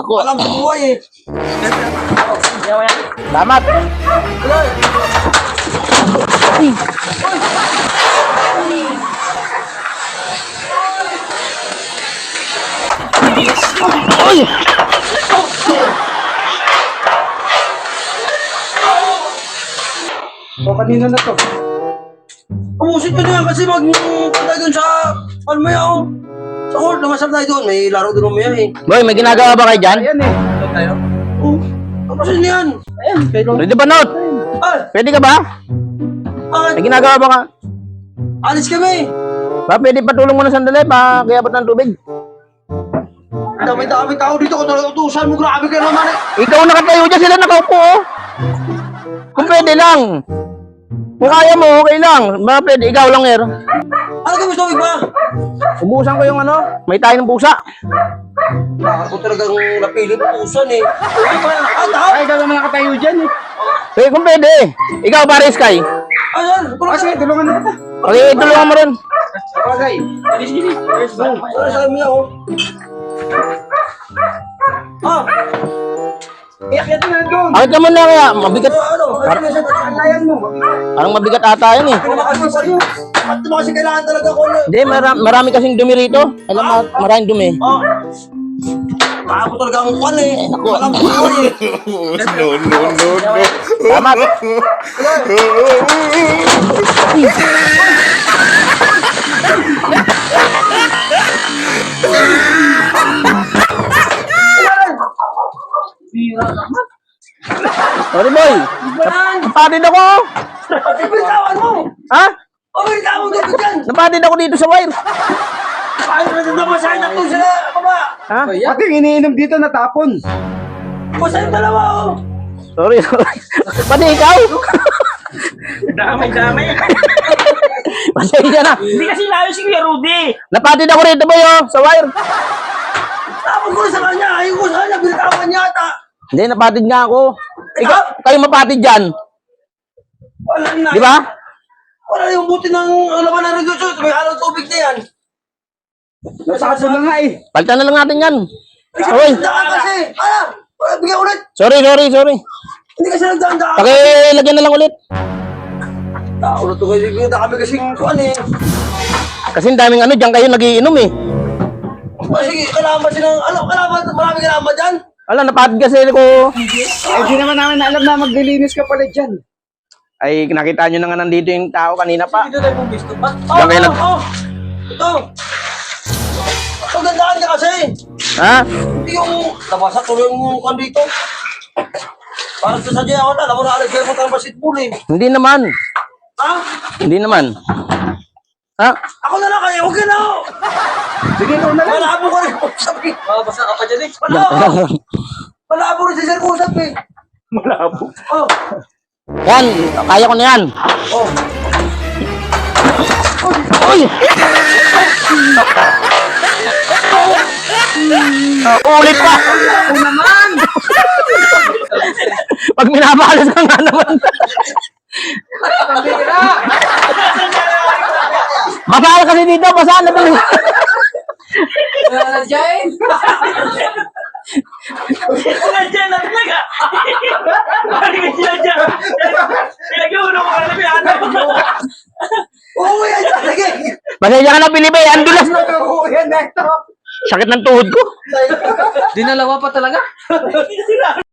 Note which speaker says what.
Speaker 1: Ako.
Speaker 2: Alam sa buhay eh.
Speaker 1: Salamat. Uy!
Speaker 3: O, kanina na to.
Speaker 2: Umusin ko na yan kasi magpunta doon sa, ano mo yan, sa court, namasal tayo doon. May laro doon mo yan eh.
Speaker 1: Boy, may ginagawa ba kayo dyan?
Speaker 3: Ayan eh. Ito tayo.
Speaker 2: Oh, tapusin niya yan.
Speaker 3: Ayan, kayo.
Speaker 1: Pwede ba, Not?
Speaker 2: Ay,
Speaker 1: Pwede ka ba? May ginagawa ba ka?
Speaker 2: alis kami.
Speaker 1: Ba, pwede patulong mo na sandali pa kaya ba't ng tubig?
Speaker 2: Dami tao dito ko talaga utusan mo. Grabe ka naman eh.
Speaker 1: Ikaw nakatayo dyan, sila nakaupo oh. Kung pwede lang. Kung kaya mo, okay lang. Ba, pwede, ikaw lang, Er.
Speaker 2: Ano ka gusto mo ba?
Speaker 1: Ubusan ko yung ano, may tayo ng pusa.
Speaker 2: Ako talagang napili mo utusan eh. Ay, tao.
Speaker 3: Ay, ikaw naman nakatayo dyan eh.
Speaker 1: Eh, kung pwede. Ikaw, pare, Sky.
Speaker 2: Ayan,
Speaker 3: Kasi, tulungan na kita.
Speaker 1: Okay, tulungan mo rin.
Speaker 3: Bagay. Sige.
Speaker 2: Ano sa amin ako? Ah,
Speaker 3: Iyakyat na doon.
Speaker 1: Akit ka muna kaya, mabigat.
Speaker 2: ano?
Speaker 3: Alayan mo.
Speaker 1: Parang mabigat ata yan eh.
Speaker 2: Pinamakasin sa iyo. Ba't mo kasi kailangan talaga ko na?
Speaker 1: Hindi, marami kasing dumi rito. Alam mo, maraming dumi.
Speaker 2: Oh. Ako talaga ang kwan eh.
Speaker 1: Naku.
Speaker 2: Alam ko eh.
Speaker 1: Salamat. Sorry, boy. Napatid ako.
Speaker 2: Bitawan mo!
Speaker 1: Ha?
Speaker 2: Bitawan mo doon dyan!
Speaker 1: Napatid ako dito sa wire.
Speaker 2: Ay, namasahin na to sila, baba!
Speaker 1: Ha?
Speaker 3: Pati yung iniinom dito natapon.
Speaker 2: Masahin dalawa oh!
Speaker 1: Sorry, sorry. Pati ikaw.
Speaker 4: Damay.
Speaker 1: Pasensya na.
Speaker 4: Hindi kasi layo si Kuya Rudy.
Speaker 1: Napatid ako rito, boy, oh, sa wire.
Speaker 2: Tapos ko na sa kanya, ayaw ko sa kanya, bitawan niya ata!
Speaker 1: Hindi, napatid nga ako. Ikaw, kayo mapatid dyan.
Speaker 2: Wala na.
Speaker 1: Di ba?
Speaker 2: Wala yung buti ng laman ng reduction, may halong tubig na yan.
Speaker 3: Nasakasal na nga eh.
Speaker 1: Palitan na lang natin yan. Oy,
Speaker 2: Daan kasi! Bigyan ulit!
Speaker 1: sorry.
Speaker 2: Hindi kasi nagdaan-daan.
Speaker 1: Pakilagyan na lang ulit.
Speaker 2: Tao na to kasi, hindi kami kasing kuhan eh.
Speaker 1: Kasi ang daming ano, dyan kayo nagiinom eh.
Speaker 2: Sige, kailangan ba silang, marami kailangan ba dyan?
Speaker 1: Alam, napatid kasi ko.
Speaker 3: Eh, di naman namin alam na maglilinis ka pala dyan.
Speaker 1: Ay, nakita nyo na nga nandito yung tao kanina pa.
Speaker 4: Dito tayo mong gusto pa.
Speaker 1: Diyan kayo nag...
Speaker 2: Ito. Pagandaan ka kasi.
Speaker 1: Ha?
Speaker 2: Hindi yung nabasa tuloy yung kuhan dito. Parang sasadya ako na, alam mo na alis kayo mo tayo basketball eh.
Speaker 1: Hindi naman.
Speaker 2: Ha?
Speaker 1: Hindi naman. Ha?
Speaker 2: Ako na lang kayo, okay na ako.
Speaker 3: Sige, ikaw na lang.
Speaker 2: Malabo ko rin sabi.
Speaker 4: Basa ka pa dyan eh.
Speaker 2: Malabo rin si Sir Kusap eh.
Speaker 3: Malabo.
Speaker 2: Oh.
Speaker 1: Yan, kaya ko na yan.
Speaker 2: Oh.
Speaker 1: Uy! Ulit pa!
Speaker 3: Ako naman.
Speaker 1: Pag minabalas ka nga naman. Basa kasi dito, basa na tuloy.
Speaker 4: Wala dyan na talaga. Maraming sila dyan. Pinag-iuno ko alam yung anak mo.
Speaker 2: Oo, yan talaga.
Speaker 1: Pasensya ka na, Pilipe. Ang dulas na.
Speaker 3: Oo, yan na ito.
Speaker 1: Sakit ng tuhod ko.
Speaker 4: Dinalawa pa talaga.